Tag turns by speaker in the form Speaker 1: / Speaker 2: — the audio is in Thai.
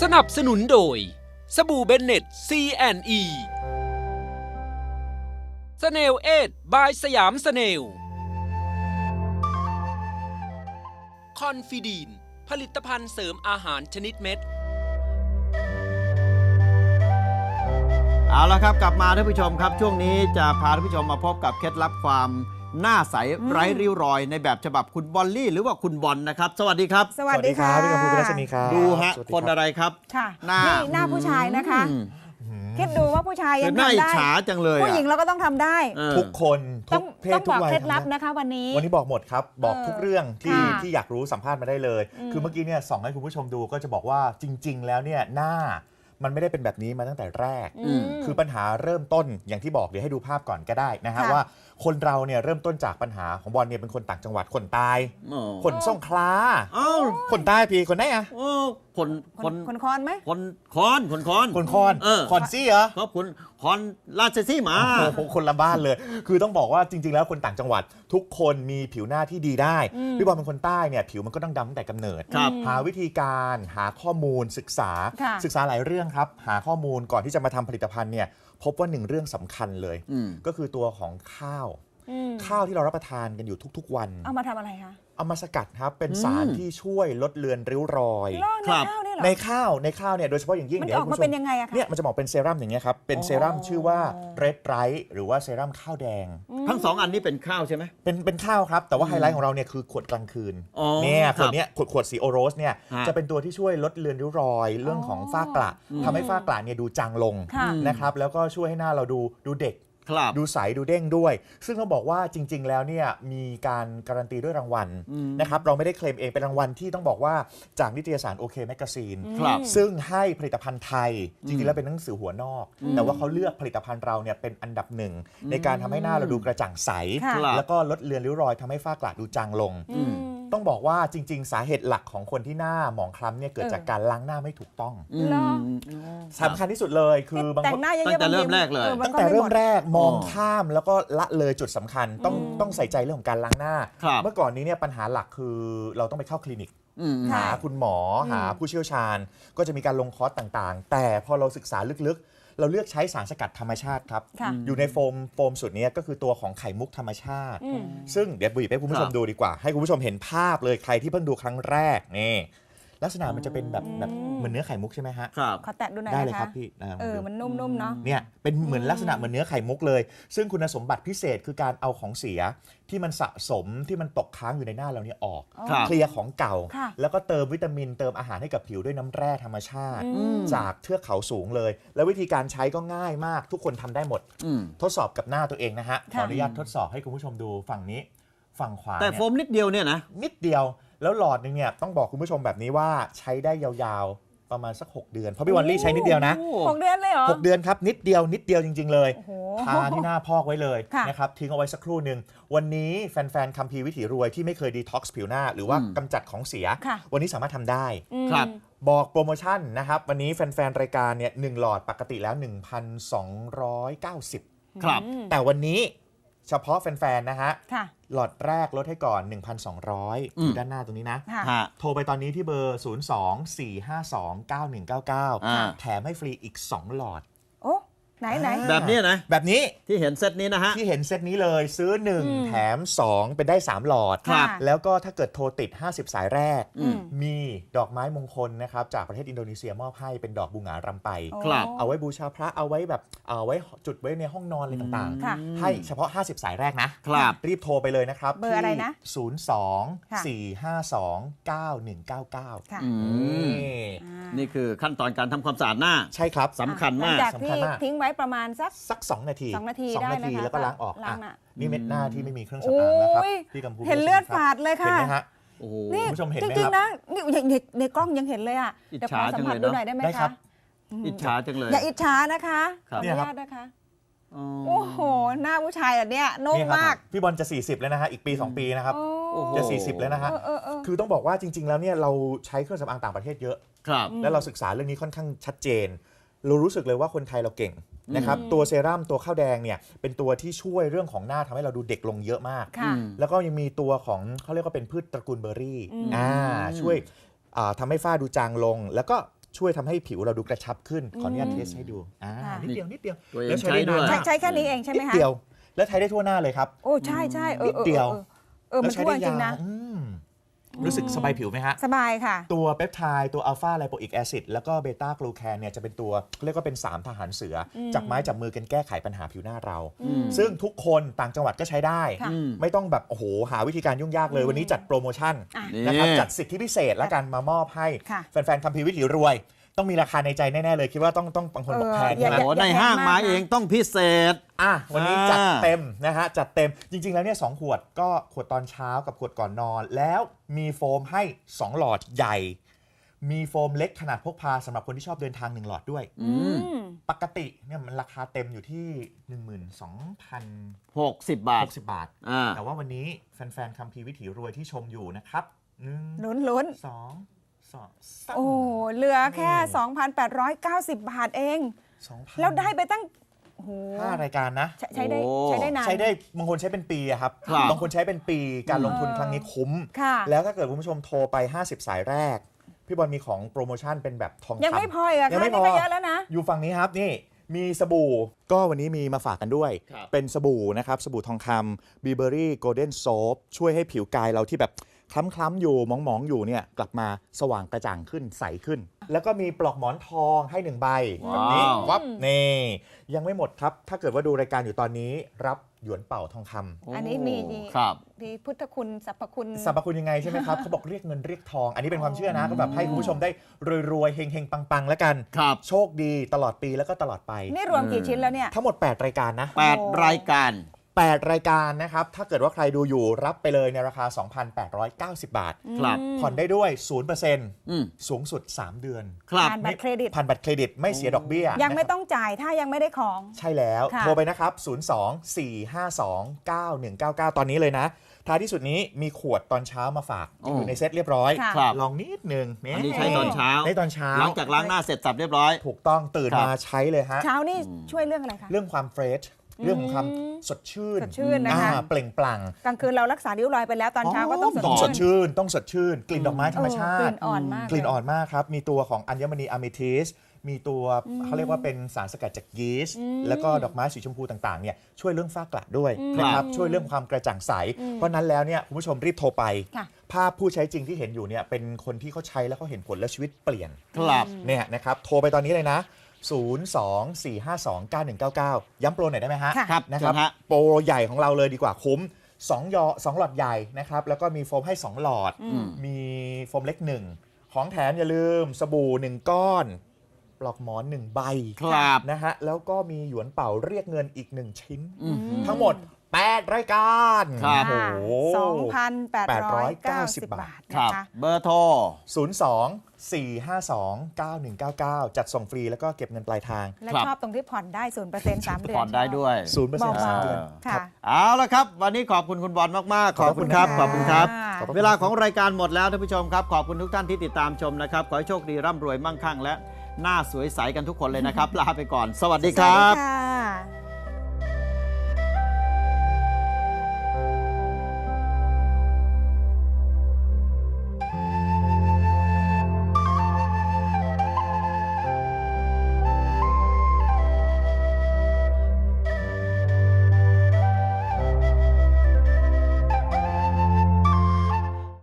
Speaker 1: สนับสนุนโดยสบู่เบนเน็ต C&E สเนลเอทบายสยามสเนลคอนฟิดีนผลิตภัณฑ์เสริมอาหารชนิดเม็ด
Speaker 2: เอาละครับกลับมาท่านผู้ชมครับช่วงนี้จะพาท่านผู้ชมมาพบกับเคล็ดลับความหน้าใสไร้ริ้วรอยในแบบฉบับคุณบอลลี่หรือว่าคุณบอลนะครับสวัสดีครับ
Speaker 3: สวัสดีค่ะ
Speaker 4: พี่กำพูพี่รัชนีครับ
Speaker 2: ดูฮะ
Speaker 4: สวัสดี
Speaker 2: คนอะไรครับ
Speaker 3: ค่ะ
Speaker 2: หน้า
Speaker 3: นี่หน้าผู้ชายนะคะคิดดูว่าผู้ชายยัง
Speaker 2: หน้า
Speaker 3: ทำ
Speaker 2: อิจ
Speaker 3: ได้
Speaker 2: ฉาจังเลย
Speaker 3: ผู้หญิงเราก็ต้องทำได้
Speaker 4: ทุกคนทุ
Speaker 3: ต้อง
Speaker 4: กเพศ
Speaker 3: ต้อง
Speaker 4: ทุ
Speaker 3: บอก
Speaker 4: กวัย
Speaker 3: เคล็ดลับ
Speaker 4: ทำได้
Speaker 3: นะคะวันนี้
Speaker 4: วันนี้บอกหมดครับ บอกทุกเรื่องที่
Speaker 3: ค่ะ
Speaker 4: ที่อยากรู้สัมภาษณ์มาได้เลย คือเมื่อกี้เนี่ยส่องให้คุณผู้ชมดูก็จะบอกว่าจริง ๆ แล้วเนี่ยหน้ามันไม่ได้เป็นแบบนี้มาตั้งแต่แรก คือปัญหาเริ่มต้นอย่างที่บอกเดี๋ยวให้ดูภาพก่อนก็ได้นะฮะ
Speaker 3: ค่ะ
Speaker 4: ว่าคนเราเนี่ยเริ่มต้นจากปัญหาของบอลเนี่ยเป็นคนต่างจังหวัดคนตาย
Speaker 2: อ๋อ
Speaker 4: คนสงขลา
Speaker 2: เอ้า
Speaker 4: คนใต้พี่คนไหนอะ
Speaker 2: โอ้คน
Speaker 3: คนคอนไหม
Speaker 2: คนคอน
Speaker 4: คนคอน
Speaker 2: เออ
Speaker 4: คอนซี่เหรอ
Speaker 2: ครับคุณคอนราชสีมา
Speaker 4: โอ้โหคนละบ้านเลย คือต้องบอกว่าจริง ๆ แล้วคนต่างจังหวัด ทุกคนมีผิวหน้าที่ดีได้ พี่บอลเป็นคนใต้เนี่ยผิวมันก็ต้องดำตั้งแต่กำเนิด
Speaker 2: ครับ
Speaker 4: หาวิธีการหาข้อมูลศึกษา
Speaker 3: ค่ะ
Speaker 4: ศึกษาหลายเรื่องครับ หาข้อมูลก่อนที่จะมาทำผลิตภัณฑ์เนี่ยพบว่าหนึ่งเรื่องสำคัญเลย ก็คือตัวของข้าว ข้าวที่เรารับประทานกันอยู่ทุกๆวัน
Speaker 3: เอามาทำอะไรคะ
Speaker 4: เอามาสกัดครับเป็นสารที่ช่วยลดเลือนริ้วรอย
Speaker 3: ล่อ
Speaker 2: ครับ
Speaker 3: ในข้าวเนี่ยเหรอ
Speaker 4: ในข้าวเนี่ยโดยเฉพาะอย่างยิ่ง
Speaker 3: มัน
Speaker 4: เดี๋ยว
Speaker 3: ออก
Speaker 4: ให้
Speaker 3: มา
Speaker 4: คุณผู้ช
Speaker 3: เป็นยังไงอะคะ
Speaker 4: เนี่ยมันจะบอกเป็นเซรั่มอย่างเงี้ยครับเป็นเซรั่มชื่อว่า Red Right หรือว่าเซรั่มข้าวแดง
Speaker 2: ทั้งสองอันนี้เป็นข้าวใช่ไหม
Speaker 4: เป็นข้าวครับ แต่ว่าไฮไลท์ของเราเนี่ยคือขวดกลางคืน
Speaker 2: อ๋อ
Speaker 4: เนี่ย
Speaker 2: ค
Speaker 4: ข
Speaker 2: รับ
Speaker 4: วดเนี้ยขวดสีโอโรสเนี่ย
Speaker 2: ฮะ
Speaker 4: จะเป็นตัวที่ช่วยลดเลือนริ้วรอยเรื่องของฝ้ากระทำให้ฝ้ากระเนี่ยดูจางลง
Speaker 3: ค่ะ
Speaker 4: นะครับแล้วก็ช่วยให้หน้าเราดูเด็ก
Speaker 2: ครับ
Speaker 4: ดูใสดูเด้งด้วย ซึ่งต้องบอกว่าจริง ๆ แล้วเนี่ยมีการการันตีด้วยรางวัลนะครับเราไม่ได้เคลมเองเป็นรางวัลที่ต้องบอกว่าจากนิตยสารโอเคแมกกาซีน
Speaker 2: ครับ
Speaker 4: ซึ่งให้ผลิตภัณฑ์ไทย จริง ๆ แล้วเป็นหนังสือหัวนอก แต่ว่าเขาเลือกผลิตภัณฑ์เราเนี่ยเป็นอันดับหนึ่งในการทำให้หน้าเราดูกระจ่างใส
Speaker 3: ค่ะ
Speaker 4: แล้วก็ลดเลือนริ้วรอยทำให้ฝ้ากระดูจางลง ต้องบอกว่าจริง ๆ สาเหตุหลักของคนที่หน้าหมองคล้ำเนี่ยเกิดจากการล้างหน้าไม่ถูกต้อง
Speaker 3: เหรอ
Speaker 4: สำคัญที่สุดเลยคือบาง
Speaker 3: แต่
Speaker 4: ค
Speaker 3: ง
Speaker 4: น
Speaker 3: หน้าเยอะๆ
Speaker 2: ตั้งแต่เริ่มแรกเลย
Speaker 3: มัน
Speaker 4: ตั้งแต่เริ่มแรกมอง
Speaker 2: อ๋อ
Speaker 4: ข้ามแล้วก็ละเลยจุดสำคัญต้องใส่ใจเรื่องของการล้างหน้า
Speaker 2: ครับ
Speaker 4: เมื่อก่อนนี้เนี่ยปัญหาหลักคือเราต้องไปเข้าคลินิก
Speaker 3: ค่ะ
Speaker 4: หาคุณหมอหาผู้เชี่ยวชาญ ก็จะมีการลงคอร์สต่างๆ แต่พอเราศึกษาลึกๆ เราเลือกใช้สารสกัดธรรมชาติครับ
Speaker 3: ค่ะ
Speaker 4: อยู่ในโฟมสูตรนี้ก็คือตัวของไข่มุกธรรมชาติ ซึ่งเดี๋ยวบุ๋ยให้คุณผู้ชมดูดีกว่า ให้คุณผู้ชมเห็นภาพเลยใครที่เพิ่งดูครั้งแรกนี่ลักษณะมันจะเป็นแบบเหมือนเนื้อไข่มุกใช่ไหมฮะ
Speaker 2: ครับ
Speaker 3: ขอแตะดูหน่อย
Speaker 4: ได้
Speaker 3: นะ
Speaker 4: เลย
Speaker 3: คะ
Speaker 4: ครับพี่ผมดู
Speaker 3: มันนุ่มๆเนาะ
Speaker 4: เนี่ยเป็นเหมือนลักษณะเหมือนเนื้อไข่มุกเลย ซึ่งคุณสมบัติพิเศษคือการเอาของเสียที่มันสะสมที่มันตกค้างอยู่ในหน้าเราเนี่ยออก
Speaker 2: ครับ
Speaker 4: เคลียร์ของเก่า
Speaker 3: ค่ะ
Speaker 4: แล้วก็เติมวิตามินเติมอาหารให้กับผิวด้วยน้ำแร่ธรรมชาติ จากเทือกเขาสูงเลย แล้ววิธีการใช้ก็ง่ายมาก ทุกคนทำได้หมด ทดสอบกับหน้าตัวเองนะฮะขออนุญาตทดสอบให้คุณผู้ชมดูฝั่งนี้ฝั่งขวา
Speaker 2: แต่
Speaker 4: เนี่ย
Speaker 2: โฟมนิดเดียวเนี่ยนะ
Speaker 4: นิดเดียวแล้วหลอดหนึงเนี่ยต้องบอกคุณผู้ชมแบบนี้ว่าใช้ได้ยาวๆประมาณสัก 6 เดือนเพราะพี่วันลี่ใช้นิดเดียวนะ
Speaker 3: 6 เดือนเลยเหรอ
Speaker 4: 6 เดือนครับนิดเดียวจริง ๆ เลย
Speaker 3: โอ้โห
Speaker 4: ทาที่หน้าพอกไว้เลย
Speaker 3: ค่ะ
Speaker 4: นะครับทิ้งเอาไว้สักครู่หนึ่งวันนี้แฟนๆคัมภีร์วิถีรวยที่ไม่เคยดีท็อกซ์ผิวหน้า หรือว่ากำจัดของเสีย
Speaker 3: ค่ะ
Speaker 4: วันนี้สามารถทำได้
Speaker 2: ครับ
Speaker 4: บอกโปรโมชั่นนะครับ วันนี้แฟนๆ รายการเนี่ย1หลอดปกติแล้ว 1,290
Speaker 2: ครับ
Speaker 4: แต่วันนี้เฉพาะแฟนๆ นะฮะ
Speaker 3: ค่ะ
Speaker 4: หลอดแรกลดให้ก่อน 1,200อยู่ด้านหน้าตรงนี้นะ
Speaker 3: ค่ะ
Speaker 2: ฮะ
Speaker 4: โทรไปตอนนี้ที่เบอร์ 02-452-9199 แถมให้ฟรีอีก 2 หลอด
Speaker 3: โอ้ไหน
Speaker 2: แบบเนี้ยนะ
Speaker 4: แบบนี้
Speaker 2: ที่เห็นเซตนี้นะฮะ
Speaker 4: ที่เห็นเซตนี้เลยซื้อ 1 แถม 2 เป็นได้ 3 หลอด
Speaker 3: ครับ
Speaker 4: แล้วก็ถ้าเกิดโทรติด 50 สายแรก
Speaker 3: อืม
Speaker 4: มีดอกไม้มงคลนะครับจากประเทศอินโดนีเซียมอบให้เป็นดอกบูหงารำไป
Speaker 3: โอ้
Speaker 2: ครับ
Speaker 4: เอาไว้บูชาพระเอาไว้แบบเอาไว้จุดไว้ในห้องนอนอะไรต่าง
Speaker 3: ค่ะ
Speaker 4: ๆ ให้เฉพาะ 50 สายแรกนะครับ รีบโทรไปเลยนะครับ
Speaker 3: เบอร์อะไรนะ
Speaker 4: ที่02-452-9199
Speaker 3: ค่ะ
Speaker 2: อืม
Speaker 4: นี่
Speaker 2: นี่คือขั้นตอนการทำความสะอาดหน้า
Speaker 4: ใช่ครับ
Speaker 2: สำคัญ
Speaker 3: หลั
Speaker 2: มาง ก
Speaker 3: จาก
Speaker 4: สำ
Speaker 3: ที่
Speaker 4: คัญมาก
Speaker 3: ทิ้งไว้ประมาณสัก
Speaker 4: 2 นาที
Speaker 3: 2 นาที
Speaker 4: 2
Speaker 3: ได้
Speaker 4: นาที
Speaker 3: นะคะ
Speaker 4: แล้วก็ล้างออก
Speaker 3: ล้างหน้า
Speaker 4: นี่เม็ดหน้าที่ไม่มีเครื่องสำอางแล้วครับ
Speaker 3: โอ้ย
Speaker 4: พี่กำพู
Speaker 3: เห็นเลือดฝาดเลย
Speaker 4: เห็น
Speaker 3: ค่ะ
Speaker 4: ไหมฮะ
Speaker 2: โอ้โห
Speaker 3: นี่
Speaker 4: คุณผู้ชมเห็น
Speaker 3: จ
Speaker 4: ไหม
Speaker 3: ริง
Speaker 4: ครับ
Speaker 3: ๆนะนี่ในกล้องยังเห็นเลยอ่ะ
Speaker 2: อิจ
Speaker 3: เดี๋ยวข
Speaker 2: ฉา
Speaker 3: อสัมผัส
Speaker 2: จังเลย
Speaker 3: ดู
Speaker 2: เนอะ
Speaker 3: หน่อยได้ไหม
Speaker 4: ได้ครั
Speaker 3: คะ
Speaker 4: บ
Speaker 2: อิจฉาจังเลย
Speaker 3: อย่าอิจฉานะคะ
Speaker 2: ครับ
Speaker 3: ขออ
Speaker 4: เนี่ย
Speaker 3: นุ
Speaker 4: ครับ
Speaker 3: ญาตนะคะ
Speaker 2: อ๋อ
Speaker 3: โอ้โห หน้าผู้ชายแบบเนี้ยนุ่ม
Speaker 4: นี่ครับ
Speaker 3: มาก
Speaker 4: พี่บอลจะ 40 แล้วนะฮะอีกปี 2 ปีนะครับ
Speaker 2: โอ้โห
Speaker 4: จะ 40 แล้วนะฮะ
Speaker 3: เออ
Speaker 4: คือต้องบอกว่าจริง ๆ แล้วเนี่ยเราใช้เครื่องสำอางต่างประเทศเยอะ
Speaker 2: ครับ
Speaker 4: และเราศึกษาเรื่องนี้ค่อนข้างชัดเจน เรารู้สึกเลยว่าคนไทยเราเก่งนะครับตัวเซรั่มตัวข้าวแดงเนี่ยเป็นตัวที่ช่วยเรื่องของหน้าทำให้เราดูเด็กลงเยอะมาก
Speaker 3: ค่ะ
Speaker 4: แล้วก็ยังมีตัวของเขาเรียกว่าเป็นพืชตระกูลเบอร์รี่ช่วยทำให้ฝ้าดูจางลง แล้วก็ช่วยทำให้ผิวเราดูกระชับขึ้นขออนุญาตเทสให้ดู
Speaker 3: ค่ะ
Speaker 4: นิดเดียวนิดเดียว
Speaker 2: ตัวเอง
Speaker 4: แล้วใช้ได้
Speaker 2: ใช้ด้วย
Speaker 4: นานมาก
Speaker 3: ใช้แค่นี้เองใช่ไหม
Speaker 4: นิด
Speaker 3: คะ
Speaker 4: เดียวแล้วใช้ได้ทั่วหน้าเลยครับ
Speaker 3: โอ้ใช่ใช่
Speaker 4: นิดเดียว
Speaker 3: มันทั่วจริงนะ
Speaker 4: รู้สึกสบายผิวไหมฮะ
Speaker 3: สบายค่ะ
Speaker 4: ตัวเปปไทด์ตัวอัลฟาไลโปอิกแอซิดแล้วก็เบต้ากลูแคนเนี่ยจะเป็นตัวเรียกว่าเป็น 3 ทหารเสืออจับไม้จับมือกันแก้ไขปัญหาผิวหน้าเรา ซึ่งทุกคนต่างจังหวัดก็ใช้ได้
Speaker 3: ค่ะ
Speaker 4: ไม่ต้องแบบโอ้โหหาวิธีการยุ่งยากเลย วันนี้จัดโปรโมชั่น
Speaker 3: อ่ะ
Speaker 4: นะครับจัดสิทธิพิเศษและกันมามอบให้
Speaker 3: ค่ะ
Speaker 4: แฟนๆคัมภีร์วิถีรวย ต้องมีราคาในใจแน่ๆเลยคิดว่าต้องบางคนบอกแพง
Speaker 3: อย่า
Speaker 4: ใช่ไหม
Speaker 2: โอ้ในห้างมาเองต้องพิเศษ
Speaker 4: วันนี้จัดเต็มนะฮะจัดเต็มจริง ๆ แล้วเนี่ย2 ขวดก็ขวดตอนเช้ากับขวดก่อนนอน แล้วมีโฟมให้ 2 หลอดใหญ่ มีโฟมเล็กขนาดพกพาสำหรับคนที่ชอบเดินทาง 1 หลอดด้วย ปกติเนี่ยมันราคาเต็มอยู่ที่
Speaker 2: 60 บาท
Speaker 4: 12,060 บาท แต่ว่าวันนี้แฟนๆคัมภีร์วิถีรวยที่ชมอยู่นะครับ
Speaker 3: ลุ้น
Speaker 4: 2
Speaker 3: โอ้เหลือแค่ 2,890 บาทเอง
Speaker 4: 2,000
Speaker 3: แล้วได้ไปตั้งโอ้โห
Speaker 4: 5 รายการนะ
Speaker 3: ใช้ได้นาน
Speaker 4: ใช้ได้บางคนใช้เป็นปีอะครับ
Speaker 2: ครับ
Speaker 4: บางคนใช้เป็นปีการลงทุนครั้งนี้คุ้ม
Speaker 3: ค่ะ
Speaker 4: แล้วถ้าเกิดคุณผู้ชมโทรไป 50 สายแรก พี่บอลมีของโปรโมชั่นเป็นแบบทองคำ
Speaker 3: ยังไม่พออีกอะ
Speaker 4: ยัง
Speaker 3: ค่ะ
Speaker 4: ไม่
Speaker 3: นี่
Speaker 4: พอ
Speaker 3: ก็เยอะแล้วนะ
Speaker 4: อยู่ฝั่งนี้ครับนี่มีสบู่ก็วันนี้มีมาฝากกันด้วย
Speaker 2: ครับ
Speaker 4: เป็นสบู่นะครับสบู่ทองคำบีเบอรี่โกลเด้นโซฟช่วยให้ผิวกายเราที่แบบคล้ำๆอยู่มองๆอยู่เนี่ยกลับมาสว่างกระจ่างขึ้นใสขึ้น แล้วก็มีปลอกหมอนทองให้1 ใบแบบนี้
Speaker 2: ว้าว
Speaker 4: วับนี่ยังไม่หมดครับ ถ้าเกิดว่าดูรายการอยู่ตอนนี้รับหยวนเป่าทองคำ
Speaker 3: อันนี้มี
Speaker 2: ครับ
Speaker 3: มีพุทธคุณสรรพคุณ
Speaker 4: สรรพคุณยังไงใช่ไหมครับ เขาบอกเรียกเงินเรียกทอง อันนี้เป็นความเชื่อนะก็แบบให้คุณผู้ชมได้รวยๆเฮงๆปังๆแล้วกัน
Speaker 2: ครับ
Speaker 4: โชคดีตลอดปีแล้วก็ตลอดไป
Speaker 3: นี่รวมกี่ชิ้นแล้วเนี่ย
Speaker 4: ทั้งหมด 8 รายการนะ
Speaker 2: 8 รายการ
Speaker 4: 8 รายการนะครับ ถ้าเกิดว่าใครดูอยู่รับไปเลยในราคา 2,890 บาท
Speaker 2: ครับ
Speaker 4: ผ่อนได้ด้วย
Speaker 2: อืม
Speaker 4: 0%สูงสุด 3 เดือน
Speaker 2: ครับ
Speaker 3: ผ่านบัตรเครดิต
Speaker 4: ผ่านบัตรเครดิตไม่เสียดอกเบี้ย
Speaker 3: ยังไม่
Speaker 4: นะครับ
Speaker 3: ต้องจ่ายถ้ายังไม่ได้ของ
Speaker 4: ใช่แล้ว
Speaker 3: ค่ะ
Speaker 4: โทรไปนะครับ 02-452-9199 ตอนนี้เลยนะ ท้ายที่สุดนี้มีขวดตอนเช้ามาฝาก
Speaker 2: โอ้
Speaker 4: อยู่ในเซตเรียบร้อย
Speaker 3: ค่ะ
Speaker 2: ครับ
Speaker 4: ลองนิดนึง
Speaker 2: อันนี้ใช้ตอนเช้า
Speaker 4: ได้ตอนเช้า
Speaker 2: หลังจากล้างหน้าเสร็จสับเรียบร้อย
Speaker 4: ถูกต้องตื่น
Speaker 2: ครับ
Speaker 4: มาใช้เลยฮะ
Speaker 3: เช้านี่ช่วยเรื่องอะไรคะ
Speaker 4: เรื่องความเฟรชเรื่องของความสดชื่น
Speaker 3: สดชื่นนะคะ
Speaker 4: เปล่งปลั่ง
Speaker 3: กลางคืนเรารักษาริ้วรอยไปแล้วตอนเช้าก็ต้องสด
Speaker 4: ต้องส
Speaker 3: ชื่
Speaker 4: ด
Speaker 3: น
Speaker 4: ชื่นต้องสดชื่น กลิ่นดอกไม้ธรรมชา
Speaker 3: เออกลิ่
Speaker 4: ติ
Speaker 3: นอ่อนมาก
Speaker 4: กลิ่นอ่อนมากครับ มีตัวของอัญมณีอะเมทิสมีตัวเขาเรียกว่าเป็นสารสกัดจากยีสต์แล้วก็ดอกไม้สีชมพูต่างๆเนี่ยช่วยเรื่องฝ้ากระด้วยนะครับช่วยเรื่องความกระจ่างใส เพราะนั้นแล้วเนี่ยคุณผู้ชมรีบโทรไป
Speaker 3: ค่ะ
Speaker 4: ภาพผู้ใช้จริงที่เห็นอยู่เนี่ยเป็นคนที่เขาใช้แล้วเขาเห็นผลและชีวิตเปลี่ยน
Speaker 2: ครับ
Speaker 4: เนี่ยนะครับโทรไปตอนนี้เลยนะ 024529199 ย้ำโปรหน่อยได้ไหมฮะ
Speaker 3: ค่ะ
Speaker 2: ครับ
Speaker 4: นะครับ
Speaker 2: เชิญฮะ
Speaker 4: โปรใหญ่ของเราเลยดีกว่าคุ้ม2 หลอดใหญ่นะครับแล้วก็มีโฟมให้ 2 หลอด มีโฟมเล็ก 1 ของแถมอย่าลืมสบู่ 1 ก้อน ปลอกหมอน 1 ใบ
Speaker 2: ครับ
Speaker 4: นะฮะแล้วก็มีหยวนเป่าเรียกเงินอีก 1 ชิ้น
Speaker 2: อืม
Speaker 4: ทั้งหมด 8 รายการ
Speaker 2: ครับ
Speaker 4: โอ้โห
Speaker 3: 2,890 บาท
Speaker 2: ครั
Speaker 3: นะ
Speaker 2: บ
Speaker 3: คะ
Speaker 2: เบอร์โทร
Speaker 4: 02-452-9199 จัดส่งฟรีแล้วก็เก็บเงินปลายทาง
Speaker 3: และ
Speaker 2: ครับ
Speaker 3: ชอบตรงที่ผ่อนได้ 0% 3 เดือน
Speaker 2: ผ่อนได้ด้วย
Speaker 4: 0%
Speaker 3: เบา
Speaker 4: 3 เดือน
Speaker 3: ๆค่ะ
Speaker 2: เอาละครับ วันนี้ขอบคุณคุณบอลมาก ๆ ขอบคุณครับ ข
Speaker 3: ข
Speaker 2: อ
Speaker 3: อ
Speaker 2: บบ
Speaker 3: คุ
Speaker 2: คุณ
Speaker 3: ณ
Speaker 2: ค
Speaker 3: ครั
Speaker 2: รับ
Speaker 3: บ
Speaker 2: เวลาของรายการหมดแล้วท่านผู้ชมครับ ขอบคุณทุกท่านที่ติดตามชมนะครับ ขอให้โชคดีร่ำรวยมั่งคั่งและหน้าสวยใสกันทุกคนเลยนะครับ ลาไปก่อน สวัสดี
Speaker 3: ส
Speaker 2: ค
Speaker 3: วัส
Speaker 2: รั
Speaker 3: ดี
Speaker 2: บ
Speaker 3: ค่ะ